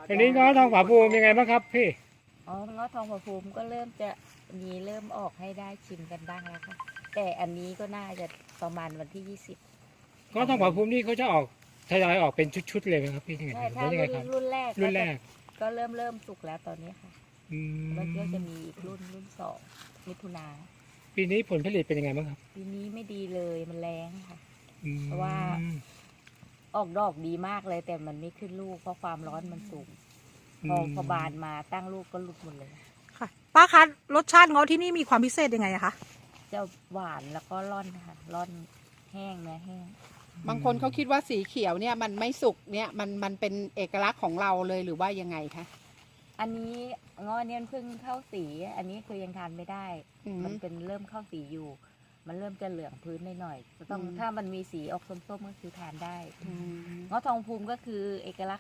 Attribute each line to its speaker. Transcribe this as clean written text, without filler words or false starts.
Speaker 1: อันนี้ง้อทองผาภูมิยังไงบ้างครับพี่
Speaker 2: อ๋อเงาะทองผาภูมิก็เริ่มจะมีเริ่มออกให้ได้ชิมกันบ้างแล้วค่ะแต่อันนี้ก็น่าจะประมาณวันที่ 20
Speaker 1: ง้อทองผาภูมินี่เขาจะออกทยอยออกเป็นชุดๆเลยไหมครับพี่ยังไง
Speaker 2: ใช่
Speaker 1: หรือ
Speaker 2: ถ้า
Speaker 1: ว่ายังไงครับ
Speaker 2: รุ่นแรก
Speaker 1: รุ่นแรก
Speaker 2: ก็เริ่มสุกแล้วตอนนี้ค่ะ
Speaker 1: อื
Speaker 2: แล้วก็จะ
Speaker 1: ม
Speaker 2: มีอีกรุ่น2มิถุนา
Speaker 1: ปีนี้ผลผลิตเป็นยังไงบ้างครับ
Speaker 2: ปีนี้ไม่ดีเลยมันแรงค่ะ
Speaker 1: อืม
Speaker 2: เพราะว่า ออกดอกดีมากเลยแต่มันไม่ขึ้นลูกเพราะความร้อนมันสูงพอบานมาตั้งลูกก็หลุดหมดเลย
Speaker 3: ค่ะป้าคะรสชาติเงาะที่นี่มีความพิเศษยังไงอะคะ
Speaker 2: จะหวานแล้วก็ร่อนค่ะร่อนแห้งเนื้อแห้ง
Speaker 4: บางคนเขาคิดว่าสีเขียวเนี่ยมันไม่สุกเนี่ยมันเป็นเอกลักษณ์ของเราเลยหรือว่ายังไงคะ
Speaker 2: อันนี้เงาะเนี่ยเพิ่งเข้าสี อันนี้คือยังทานไม่ได้
Speaker 4: อืม
Speaker 2: มันเป็นเริ่มเข้าสีอยู่ มันเริ่มจะเหลืองพื้นหน่อยๆจะต้อง
Speaker 4: อืม
Speaker 2: ถ้ามันมีสีออกส้มๆก็คือทานได้
Speaker 4: อืม
Speaker 2: เงาะทองภูมิก็คือเอกลักษณ์